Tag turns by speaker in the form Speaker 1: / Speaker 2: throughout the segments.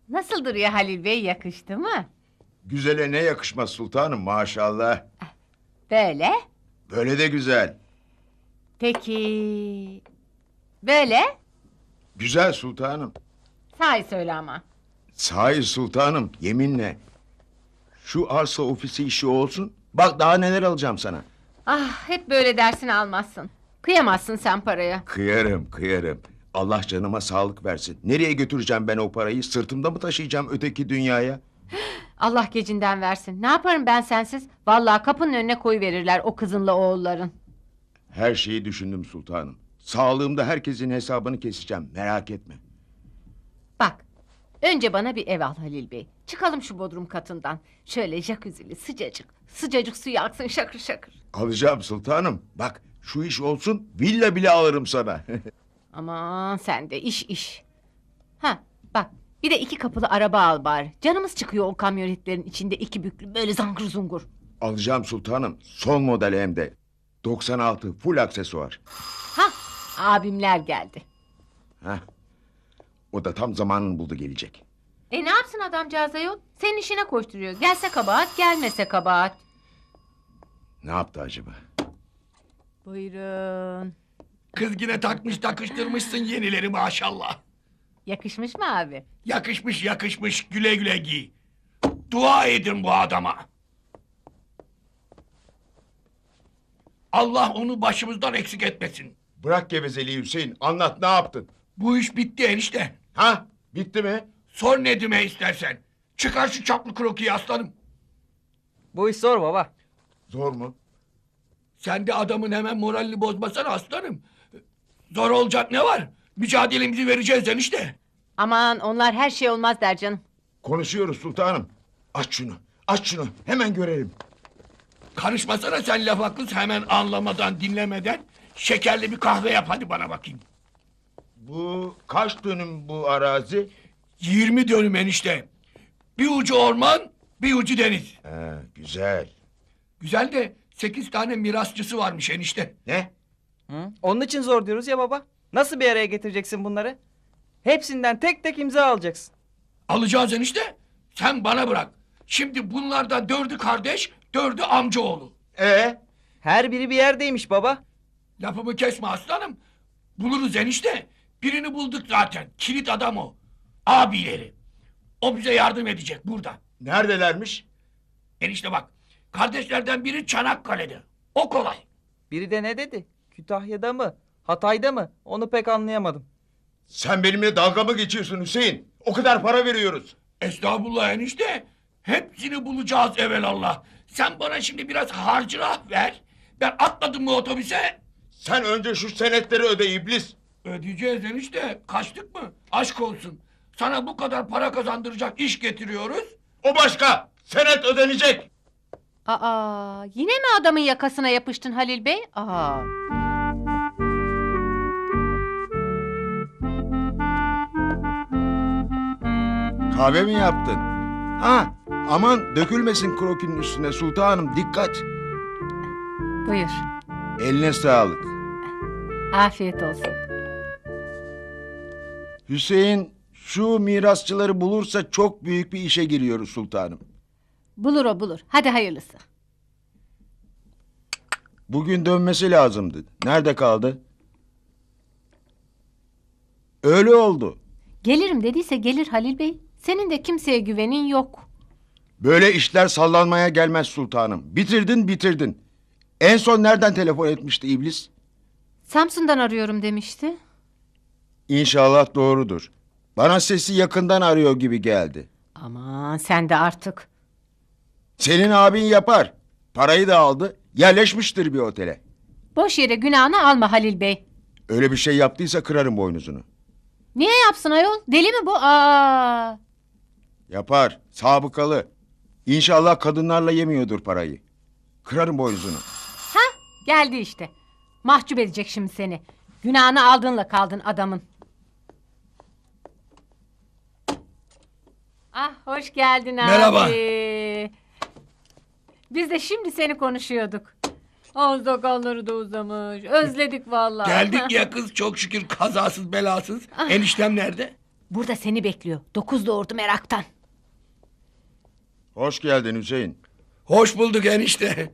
Speaker 1: Nasıl duruyor Halil Bey, yakıştı mı?
Speaker 2: Güzele ne yakışmaz sultanım maşallah.
Speaker 1: Böyle.
Speaker 2: Böyle de güzel.
Speaker 1: Peki. Böyle.
Speaker 2: Güzel sultanım.
Speaker 1: Sahi söyle ama.
Speaker 2: Sahi sultanım yeminle. Şu arsa ofisi işi olsun. Bak daha neler alacağım sana.
Speaker 1: Ah, hep böyle dersini almazsın. Kıyamazsın sen paraya.
Speaker 2: Kıyarım kıyarım. Allah canıma sağlık versin. Nereye götüreceğim ben o parayı? Sırtımda mı taşıyacağım öteki dünyaya?
Speaker 1: Allah gecinden versin. Ne yaparım ben sensiz? Vallahi kapının önüne koyuverirler o kızınla oğulların.
Speaker 2: Her şeyi düşündüm sultanım. Sağlığımda herkesin hesabını keseceğim. Merak etme.
Speaker 1: Bak, önce bana bir ev al Halil Bey. Çıkalım şu bodrum katından. Şöyle jacuzzi'li sıcacık. Sıcacık suyu aksın şakır şakır.
Speaker 2: Alacağım sultanım. Bak şu iş olsun villa bile alırım sana.
Speaker 1: Aman sen de iş. Ha bak, bir de 2 kapılı araba al bari. Canımız çıkıyor o kamyonetlerin içinde 2 büklü böyle zangır zungur.
Speaker 2: Alacağım sultanım. Son model hem de. 96 full aksesuar.
Speaker 1: Ha, abimler geldi.
Speaker 2: Heh. O da tam zamanını buldu gelecek.
Speaker 1: Ne yapsın adamcağız ayol? Senin işine koşturuyor. Gelse kabahat, gelmese kabahat.
Speaker 2: Ne yaptı acaba?
Speaker 1: Buyurun.
Speaker 3: Kız yine takmış takıştırmışsın yenileri maşallah.
Speaker 1: Yakışmış mı abi?
Speaker 3: Yakışmış yakışmış güle güle giy. Dua edin bu adama. Allah onu başımızdan eksik etmesin.
Speaker 2: Bırak gevezeliği Hüseyin. Anlat ne yaptın?
Speaker 3: Bu iş bitti enişte.
Speaker 2: Ha? Bitti mi?
Speaker 3: Sor Nedim'e istersen. Çıkar şu çaplı krokiyi aslanım.
Speaker 4: Bu iş zor baba.
Speaker 2: Zor mu?
Speaker 3: Sen de adamın hemen moralini bozmasana aslanım. Zor olacak ne var? Mücadelemizi vereceğiz enişte.
Speaker 1: Aman onlar her şey olmaz der canım.
Speaker 2: Konuşuyoruz sultanım. Aç şunu. Aç şunu. Hemen görelim.
Speaker 3: Karışmasana sen lafa kız hemen anlamadan dinlemeden. Şekerli bir kahve yap hadi bana bakayım.
Speaker 2: Bu kaç dönüm bu arazi?
Speaker 3: 20 dönüm enişte. Bir ucu orman, bir ucu deniz.
Speaker 2: He, güzel.
Speaker 3: Güzel de 8 tane mirasçısı varmış enişte.
Speaker 2: Ne?
Speaker 4: Hı? Onun için zor diyoruz ya baba. Nasıl bir araya getireceksin bunları? Hepsinden tek tek imza alacaksın.
Speaker 3: Alacağız enişte. Sen bana bırak. Şimdi bunlardan 4'ü kardeş, 4'ü amcaoğlu.
Speaker 4: Her biri bir yerdeymiş baba.
Speaker 3: Lafımı kesme aslanım. Buluruz enişte. Birini bulduk zaten. Kilit adam o. Abileri. O bize yardım edecek burada.
Speaker 2: Neredelermiş?
Speaker 3: Enişte bak. Kardeşlerden biri Çanakkale'de. O kolay.
Speaker 4: Biri de ne dedi? Kütahya'da mı? Hatay'da mı? Onu pek anlayamadım.
Speaker 2: Sen benimle dalga mı geçiyorsun Hüseyin? O kadar para veriyoruz.
Speaker 3: Estağfurullah enişte. Hepsini bulacağız evelallah. Sen bana şimdi biraz harcırah ver. Ben atladım mı otobüse?
Speaker 2: Sen önce şu senetleri öde iblis.
Speaker 3: Ödeyeceğiz enişte. Kaçtık mı? Aşk olsun. Sana bu kadar para kazandıracak iş getiriyoruz.
Speaker 2: O başka. Senet ödenecek.
Speaker 1: Aa, yine mi adamın yakasına yapıştın Halil Bey? Aa.
Speaker 2: Kahve mi yaptın? Ha, aman dökülmesin krokinin üstüne sultanım dikkat.
Speaker 1: Buyur.
Speaker 2: Eline sağlık.
Speaker 1: Afiyet olsun.
Speaker 2: Hüseyin şu mirasçıları bulursa çok büyük bir işe giriyoruz sultanım.
Speaker 1: Bulur o bulur. Hadi hayırlısı.
Speaker 2: Bugün dönmesi lazımdı. Nerede kaldı? Öyle oldu.
Speaker 1: Gelirim dediyse gelir Halil Bey. Senin de kimseye güvenin yok.
Speaker 2: Böyle işler sallanmaya gelmez sultanım. Bitirdin. En son nereden telefon etmişti iblis?
Speaker 1: Samsun'dan arıyorum demişti.
Speaker 2: İnşallah doğrudur. Bana sesi yakından arıyor gibi geldi.
Speaker 1: Aman sen de artık.
Speaker 2: Senin abin yapar. Parayı da aldı. Yerleşmiştir bir otele.
Speaker 1: Boş yere günahını alma Halil Bey.
Speaker 2: Öyle bir şey yaptıysa kırarım boynuzunu.
Speaker 1: Niye yapsın ayol? Deli mi bu? Aa.
Speaker 2: Yapar. Sabıkalı. İnşallah kadınlarla yemiyordur parayı. Kırarım boynuzunu.
Speaker 1: Geldi işte. Mahcup edecek şimdi seni. Günahını aldığınla kaldın adamın. Ah hoş geldin abi.
Speaker 3: Merhaba.
Speaker 1: Biz de şimdi seni konuşuyorduk. Ağız sakalları da uzamış. Özledik vallahi.
Speaker 3: Geldik ya kız çok şükür kazasız belasız. Eniştem nerede?
Speaker 1: Burada seni bekliyor. 9 doğurdu meraktan.
Speaker 2: Hoş geldin Hüseyin.
Speaker 3: Hoş bulduk enişte.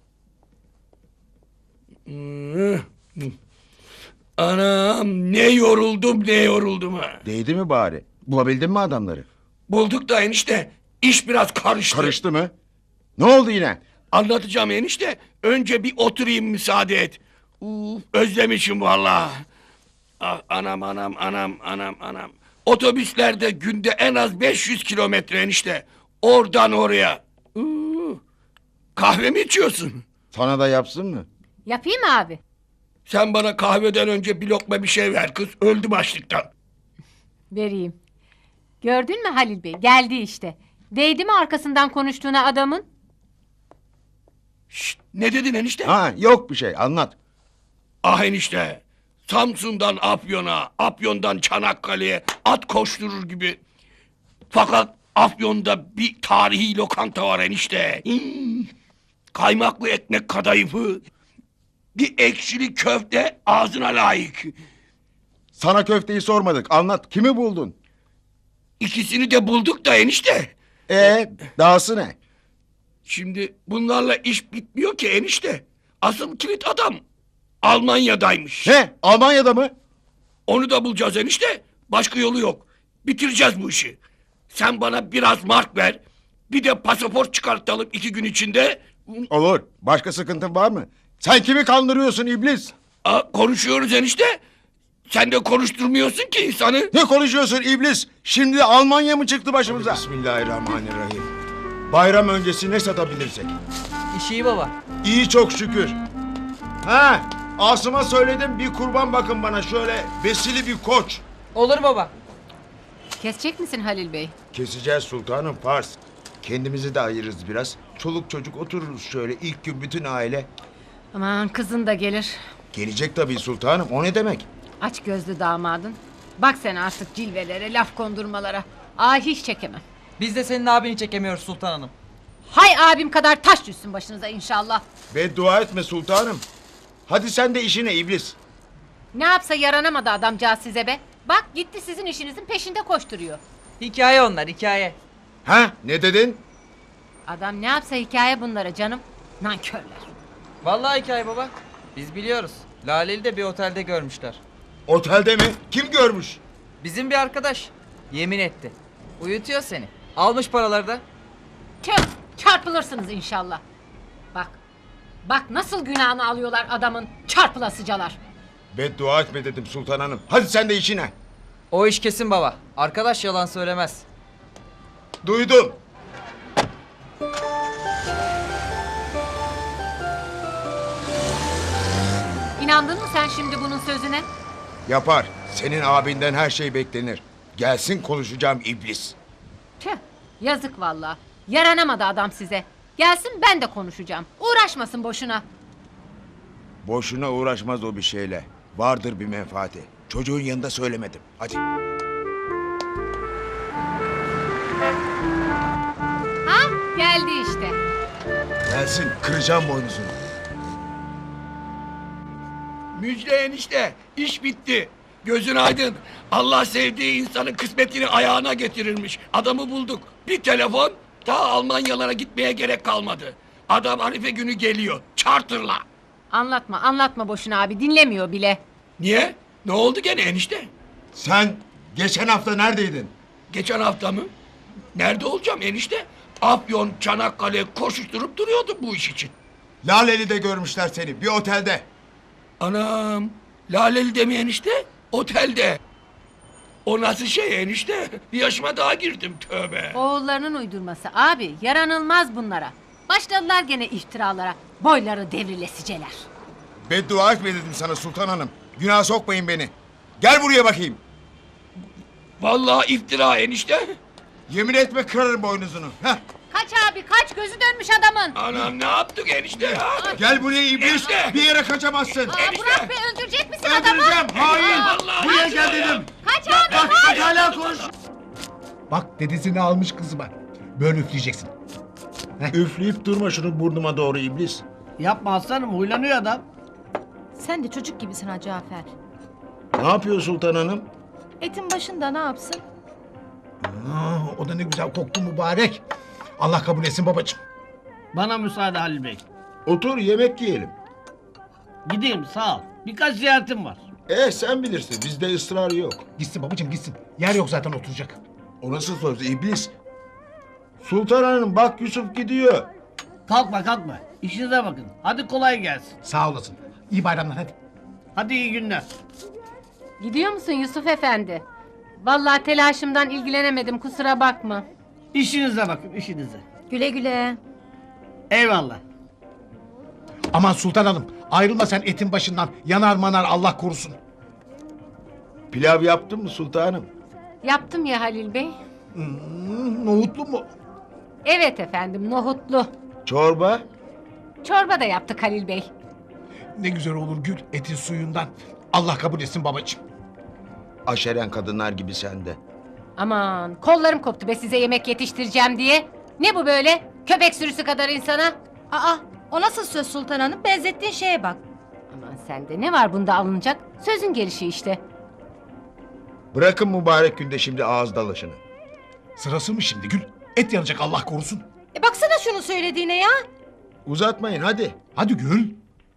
Speaker 3: Anam ne yoruldum ha.
Speaker 2: Değdi mi bari? Bulabildin mi adamları?
Speaker 3: Bulduk da enişte iş biraz karıştı.
Speaker 2: Karıştı mı? Ne oldu yine?
Speaker 3: Anlatacağım enişte. Önce bir oturayım müsaade et. Özlemişim vallahi. Ah, anam. Otobüslerde günde en az 500 kilometre enişte. Oradan oraya. Kahve mi içiyorsun?
Speaker 2: Sana da yapsın mı?
Speaker 1: Yapayım mı abi?
Speaker 3: Sen bana kahveden önce bir lokma bir şey ver kız. Öldüm açlıktan.
Speaker 1: Vereyim. Gördün mü Halil Bey? Geldi işte. Değdi mi arkasından konuştuğuna adamın?
Speaker 3: Şşt, ne dedin enişte?
Speaker 2: Ha, yok bir şey, anlat.
Speaker 3: Ah enişte. Samsun'dan Afyon'a, Afyon'dan Çanakkale'ye at koşturur gibi. Fakat Afyon'da bir tarihi lokanta var enişte. Kaymaklı ekmek kadayıfı. Bir ekşili köfte ağzına layık.
Speaker 2: Sana köfteyi sormadık, anlat. Kimi buldun?
Speaker 3: İkisini de bulduk da enişte.
Speaker 2: Dahası ne?
Speaker 3: Şimdi bunlarla iş bitmiyor ki enişte. Asıl kilit adam Almanya'daymış.
Speaker 2: Ne? Almanya'da mı?
Speaker 3: Onu da bulacağız enişte. Başka yolu yok. Bitireceğiz bu işi. Sen bana biraz mark ver. Bir de pasaport çıkartalım 2 gün içinde.
Speaker 2: Olur. Başka sıkıntın var mı? Sen kimi kandırıyorsun iblis?
Speaker 3: Konuşuyoruz enişte. Sen de konuşturmuyorsun ki insanı.
Speaker 2: Ne konuşuyorsun iblis? Şimdi de Almanya mı çıktı başımıza? Bismillahirrahmanirrahim. Bayram öncesi ne satabilirsek?
Speaker 4: İş iyi baba.
Speaker 2: İyi çok şükür. Ha, Asım'a söyledim bir kurban bakın bana şöyle besili bir koç.
Speaker 4: Olur baba.
Speaker 1: Kesecek misin Halil Bey?
Speaker 2: Keseceğiz sultanım farz. Kendimizi de ayırırız biraz. Çoluk çocuk otururuz şöyle ilk gün bütün aile.
Speaker 1: Aman kızın da gelir.
Speaker 2: Gelecek tabii sultanım o ne demek?
Speaker 1: Aç gözlü damadın. Bak sen artık cilvelere, laf kondurmalara. Hiç çekemem.
Speaker 4: Biz de senin abini çekemiyoruz Sultan Hanım.
Speaker 1: Hay abim kadar taş düşsün başınıza inşallah.
Speaker 2: Beddua etme sultanım. Hadi sen de işine iblis.
Speaker 1: Ne yapsa yaranamadı adamcağız size be. Bak gitti sizin işinizin peşinde koşturuyor.
Speaker 4: Hikaye onlar hikaye.
Speaker 2: Ha, ne dedin?
Speaker 1: Adam ne yapsa hikaye bunlara canım. Nankörler.
Speaker 4: Vallahi hikaye baba. Biz biliyoruz. Laleli de bir otelde görmüşler.
Speaker 2: Otelde mi? Kim görmüş?
Speaker 4: Bizim bir arkadaş. Yemin etti. Uyutuyor seni. Almış paraları da.
Speaker 1: Tüh, çarpılırsınız inşallah. Bak. Bak nasıl günahını alıyorlar adamın çarpılasıcalar.
Speaker 2: Beddua etme dedim sultan hanım. Hadi sen de işine.
Speaker 4: O iş kesin baba. Arkadaş yalan söylemez.
Speaker 2: Duydum.
Speaker 1: İnandın mı sen şimdi bunun sözüne?
Speaker 2: Yapar. Senin abinden her şey beklenir. Gelsin konuşacağım iblis.
Speaker 1: Tüh, yazık vallahi. Yaranamadı adam size. Gelsin ben de konuşacağım. Uğraşmasın boşuna.
Speaker 2: Boşuna uğraşmaz o bir şeyle. Vardır bir menfaati. Çocuğun yanında söylemedim. Hadi.
Speaker 1: Ha, geldi işte.
Speaker 2: Gelsin kıracağım boynuzunu.
Speaker 3: Müjde enişte. İş bitti. Gözün aydın. Allah sevdiği insanın kısmetini ayağına getirirmiş. Adamı bulduk. Bir telefon daha Almanyalara gitmeye gerek kalmadı. Adam Arife günü geliyor. Charter'la.
Speaker 1: Anlatma boşuna abi dinlemiyor bile.
Speaker 3: Niye? Ne oldu gene enişte?
Speaker 2: Sen geçen hafta neredeydin?
Speaker 3: Geçen hafta mı? Nerede olacağım enişte? Afyon, Çanakkale koşuşturup duruyordum bu iş için.
Speaker 2: Laleli'de görmüşler seni bir otelde.
Speaker 3: Anam, Laleli'de mi enişte? Otelde. O nasıl şey enişte? Bir yaşıma daha girdim tövbe.
Speaker 1: Oğullarının uydurması abi yaranılmaz bunlara. Başladılar gene iftiralara. Boyları devrilesiceler.
Speaker 2: Beddua etme dedim sana sultan hanım. Günah sokmayın beni. Gel buraya bakayım.
Speaker 3: Vallahi iftira enişte.
Speaker 2: Yemin etme kırarım boynuzunu. Heh.
Speaker 1: Kaç abi kaç gözü dönmüş adamın.
Speaker 3: Anam ne yaptık enişte ya?
Speaker 2: Gel buraya iblis.
Speaker 3: Enişte.
Speaker 2: Bir yere kaçamazsın.
Speaker 3: enişte.
Speaker 1: Burak Bey öldürecek misin adamı?
Speaker 2: Öldüreceğim. Hain.
Speaker 3: Vallahi
Speaker 2: Buraya
Speaker 3: kaçıyor
Speaker 2: gel
Speaker 3: ya.
Speaker 2: dedim.
Speaker 1: Kaç abi
Speaker 2: Bak
Speaker 1: kaç.
Speaker 2: hala konuş.
Speaker 5: Bak dedesini almış kızıma. Böyle üfleyeceksin.
Speaker 2: Üfleyip durma şunu burnuma doğru iblis.
Speaker 6: Yapma aslanım huylanıyor adam.
Speaker 1: Sen de çocuk gibisin ha Cafer.
Speaker 2: Ne yapıyor sultan hanım?
Speaker 7: Etin başında ne yapsın?
Speaker 5: O da ne güzel koktu mübarek. Allah kabul etsin babacığım.
Speaker 6: Bana müsaade Halil Bey.
Speaker 2: Otur yemek yiyelim.
Speaker 6: Gideyim sağ ol. Birkaç ziyaretim var.
Speaker 2: Sen bilirsin bizde ısrar yok.
Speaker 5: Gitsin babacığım gitsin. Yer yok zaten oturacak.
Speaker 2: O nasıl söz iblis? Sultan Hanım bak Yusuf gidiyor.
Speaker 6: Kalkma kalkma. İşinize bakın. Hadi kolay gelsin.
Speaker 5: Sağ olasın. İyi bayramlar hadi.
Speaker 6: Hadi iyi günler.
Speaker 1: Gidiyor musun Yusuf Efendi? Vallahi telaşımdan ilgilenemedim, kusura bakma.
Speaker 6: İşinize bakın işinize.
Speaker 7: Güle güle.
Speaker 6: Eyvallah.
Speaker 5: Aman Sultan Hanım ayrılma sen etin başından. Yanar manar Allah korusun.
Speaker 2: Pilav yaptın mı sultanım?
Speaker 1: Yaptım ya Halil Bey.
Speaker 5: Nohutlu mu?
Speaker 1: Evet efendim, nohutlu.
Speaker 2: Çorba?
Speaker 1: Çorba da yaptık Halil Bey.
Speaker 5: Ne güzel olur Gül etin suyundan. Allah kabul etsin babacığım.
Speaker 2: Aşeren kadınlar gibi sende.
Speaker 1: Aman kollarım koptu be size yemek yetiştireceğim diye. Ne bu böyle? Köpek sürüsü kadar insana.
Speaker 7: Aa, o nasıl söz Sultan Hanım? Benzettiğin şeye bak.
Speaker 1: Aman sende ne var bunda alınacak? Sözün gelişi işte.
Speaker 2: Bırakın mübarek günde şimdi ağız dalaşını.
Speaker 5: Sırası mı şimdi Gül? Et yanacak Allah korusun.
Speaker 7: Baksana şunu söylediğine ya.
Speaker 2: Uzatmayın hadi.
Speaker 5: Hadi Gül.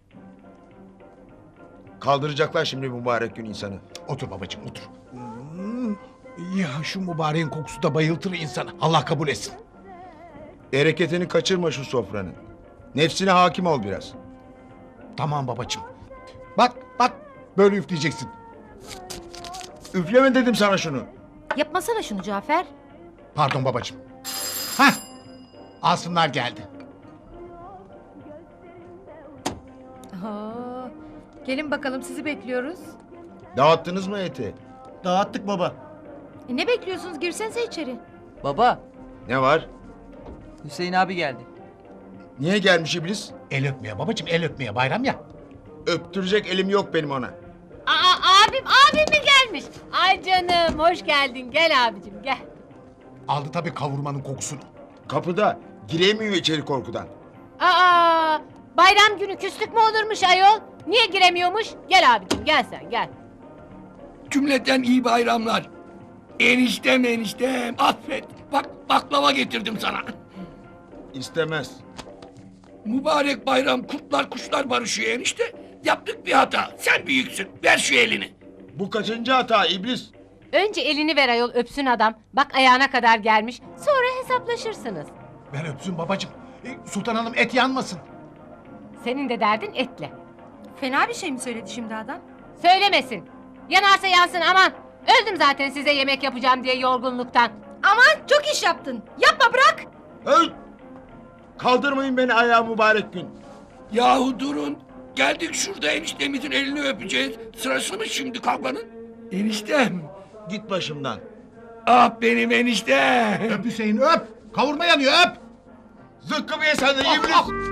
Speaker 2: Kaldıracaklar şimdi mübarek gün insanı.
Speaker 5: Otur babacığım otur. Ya şu mübareğin kokusu da bayıltır insanı. Allah kabul etsin.
Speaker 2: Bereketini kaçırma şu sofranın. Nefsine hakim ol biraz.
Speaker 5: Tamam babacığım. Bak bak böyle üfleyeceksin.
Speaker 2: Üfleme dedim sana şunu.
Speaker 7: Yapmasana şunu Cafer.
Speaker 5: Pardon babacığım. Hah. Asımlar geldi.
Speaker 7: Aa, gelin bakalım sizi bekliyoruz.
Speaker 2: Dağıttınız mı eti?
Speaker 6: Dağıttık baba.
Speaker 7: Ne bekliyorsunuz? Girsenize içeri.
Speaker 4: Baba,
Speaker 2: Ne var?
Speaker 4: Hüseyin abi geldi.
Speaker 2: Niye gelmiş iblis?
Speaker 5: El öpmeye babacığım el öpmeye bayram ya.
Speaker 2: Öptürecek elim yok benim ona.
Speaker 1: Abim mi gelmiş? Ay canım hoş geldin, gel abicim gel.
Speaker 5: Aldı tabii kavurmanın kokusunu.
Speaker 2: Kapıda giremiyor içeri korkudan.
Speaker 1: Bayram günü küslük mü olurmuş ayol? Niye giremiyormuş? Gel abicim gel sen gel.
Speaker 3: Cümleten iyi bayramlar. Eniştem affet. Bak baklava getirdim sana.
Speaker 2: İstemez.
Speaker 3: Mübarek bayram kurtlar kuşlar barışıyor enişte. Yaptık bir hata. Sen büyüksün. Ver şu elini.
Speaker 2: Bu kaçıncı hata iblis?
Speaker 1: Önce elini ver ayol öpsün adam. Bak ayağına kadar gelmiş. Sonra hesaplaşırsınız.
Speaker 5: Ver öpsün babacığım. Sultan Hanım et yanmasın.
Speaker 1: Senin de derdin etle.
Speaker 7: Fena bir şey mi söyledi şimdi adam?
Speaker 1: Söylemesin. Yanarsa yansın aman. Öldüm zaten size yemek yapacağım diye yorgunluktan.
Speaker 7: Aman çok iş yaptın. Yapma bırak.
Speaker 2: Öl! Kaldırmayın beni ayağa mübarek gün.
Speaker 3: Yahu durun. Geldik şurada eniştemizin elini öpeceğiz. Sırası mı şimdi kalkmanın? Eniştem.
Speaker 2: Git başımdan.
Speaker 3: Ah benim eniştem.
Speaker 5: Öp Hüseyin öp. Kavurma yanıyor öp.
Speaker 2: Zıkkımı ye sen de iblis.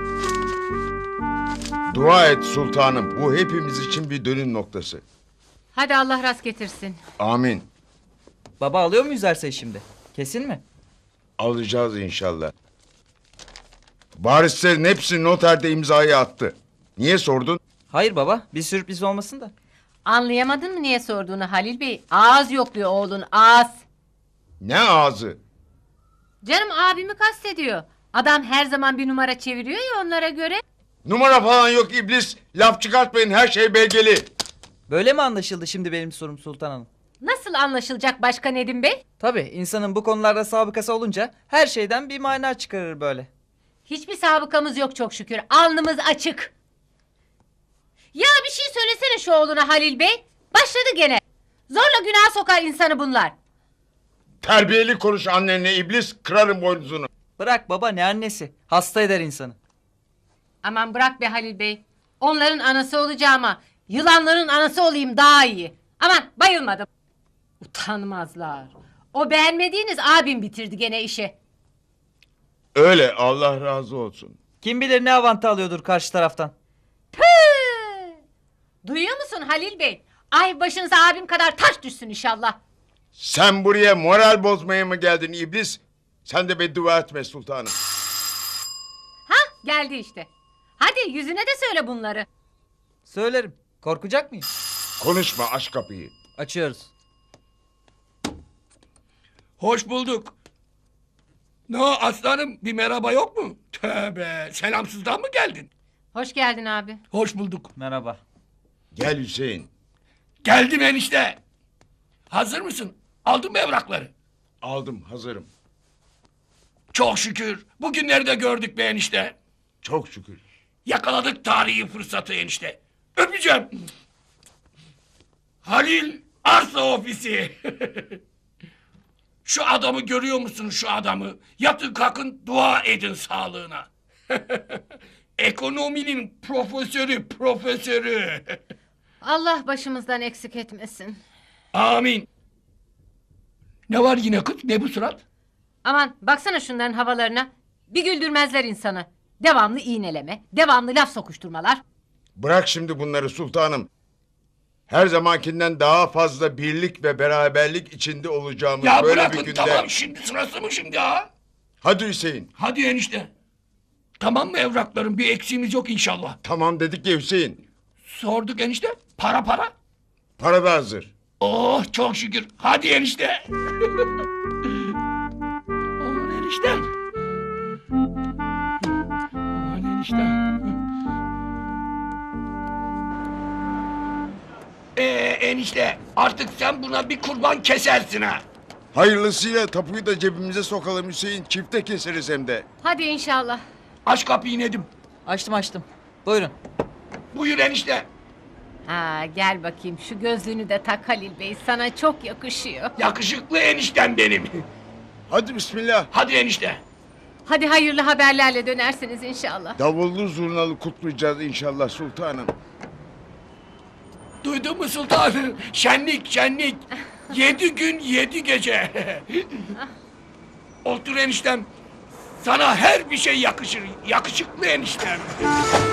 Speaker 2: Dua et sultanım. Bu hepimiz için bir dönüm noktası.
Speaker 1: Hadi Allah rast getirsin.
Speaker 2: Amin.
Speaker 4: Baba alıyor muyuz arsayı şimdi? Kesin mi?
Speaker 2: Alacağız inşallah. Varislerin hepsi noterde imzayı attı. Niye sordun?
Speaker 4: Hayır baba, bir sürpriz olmasın da.
Speaker 1: Anlayamadın mı niye sorduğunu Halil Bey? Ağız yokluyor oğlun ağız.
Speaker 2: Ne ağzı?
Speaker 1: Canım abimi kastediyor. Adam her zaman bir numara çeviriyor ya onlara göre.
Speaker 2: Numara falan yok iblis. Laf çıkartmayın her şey belgeli.
Speaker 4: Böyle mi anlaşıldı şimdi benim sorum Sultan Hanım?
Speaker 1: Nasıl anlaşılacak başka Nedim Bey?
Speaker 4: Tabii, insanın bu konularda sabıkası olunca her şeyden bir mana çıkarır böyle.
Speaker 1: Hiçbir sabıkamız yok çok şükür. Alnımız açık. Ya bir şey söylesene şu oğluna Halil Bey. Başladı gene. Zorla günah sokar insanı bunlar.
Speaker 2: Terbiyeli konuş annenle iblis. Kırarım boynuzunu.
Speaker 4: Bırak baba, ne annesi? Hasta eder insanı.
Speaker 1: Aman bırak be Halil Bey. Onların anası olacağıma yılanların anası olayım daha iyi. Aman bayılmadım. Utanmazlar. O beğenmediğiniz abim bitirdi gene işi.
Speaker 2: Öyle Allah razı olsun.
Speaker 4: Kim bilir ne avantı alıyordur karşı taraftan.
Speaker 1: Püh! Duyuyor musun Halil Bey? Ay başınıza abim kadar taş düşsün inşallah.
Speaker 2: Sen buraya moral bozmaya mı geldin iblis? Sen de beddua etme sultanım.
Speaker 1: Ha geldi işte. Hadi yüzüne de söyle bunları.
Speaker 4: Söylerim. Korkacak mıyım?
Speaker 2: Konuşma aç kapıyı.
Speaker 4: Açıyoruz.
Speaker 3: Hoş bulduk. Ne o aslanım, bir merhaba yok mu? Tövbe, selamsızdan mı geldin?
Speaker 1: Hoş geldin abi.
Speaker 3: Hoş bulduk.
Speaker 4: Merhaba.
Speaker 2: Gel Hüseyin.
Speaker 3: Geldim enişte. Hazır mısın? Aldın mı evrakları?
Speaker 2: Aldım, hazırım.
Speaker 3: Çok şükür. Bugünleri de gördük be enişte.
Speaker 2: Çok şükür.
Speaker 3: Yakaladık tarihi fırsatı enişte. Öpeceğim. Halil Arsa Ofisi. Şu adamı görüyor musun, şu adamı? Yatın kalkın dua edin sağlığına. Ekonominin profesörü.
Speaker 1: Allah başımızdan eksik etmesin.
Speaker 3: Amin. Ne var yine kız? Ne bu surat?
Speaker 1: Aman baksana şunların havalarına. Bir güldürmezler insanı. Devamlı iğneleme, devamlı laf sokuşturmalar.
Speaker 2: Bırak şimdi bunları sultanım. Her zamankinden daha fazla birlik ve beraberlik içinde olacağımız
Speaker 3: Ya
Speaker 2: böyle
Speaker 3: bırakın
Speaker 2: bir günde.
Speaker 3: tamam, şimdi sırası mı şimdi ha?
Speaker 2: Hadi Hüseyin.
Speaker 3: Hadi enişte. Tamam mı evraklarım? Bir eksiğimiz yok inşallah.
Speaker 2: Tamam dedik ya Hüseyin.
Speaker 3: Sorduk enişte. Para.
Speaker 2: Para da hazır.
Speaker 3: Oh çok şükür. Hadi enişte. Aman eniştem. Aman eniştem. Enişte artık sen buna bir kurban kesersin ha.
Speaker 2: Hayırlısıyla tapuyu da cebimize sokalım Hüseyin. Çifte keseriz hem de.
Speaker 1: Hadi inşallah.
Speaker 3: Aç kapıyı Nedim.
Speaker 4: Açtım. Buyurun.
Speaker 3: Buyur enişte.
Speaker 1: Ha, gel bakayım şu gözlüğünü de tak Halil Bey. Sana çok yakışıyor.
Speaker 3: Yakışıklı eniştem benim.
Speaker 2: Hadi bismillah.
Speaker 3: Hadi enişte.
Speaker 1: Hadi hayırlı haberlerle dönersiniz inşallah.
Speaker 2: Davullu zurnalı kutlayacağız inşallah sultanım.
Speaker 3: Duydun mu sultanım? Şenlik. 7 gün 7 gece. Otur eniştem. Sana her bir şey yakışır. Yakışıklı eniştem.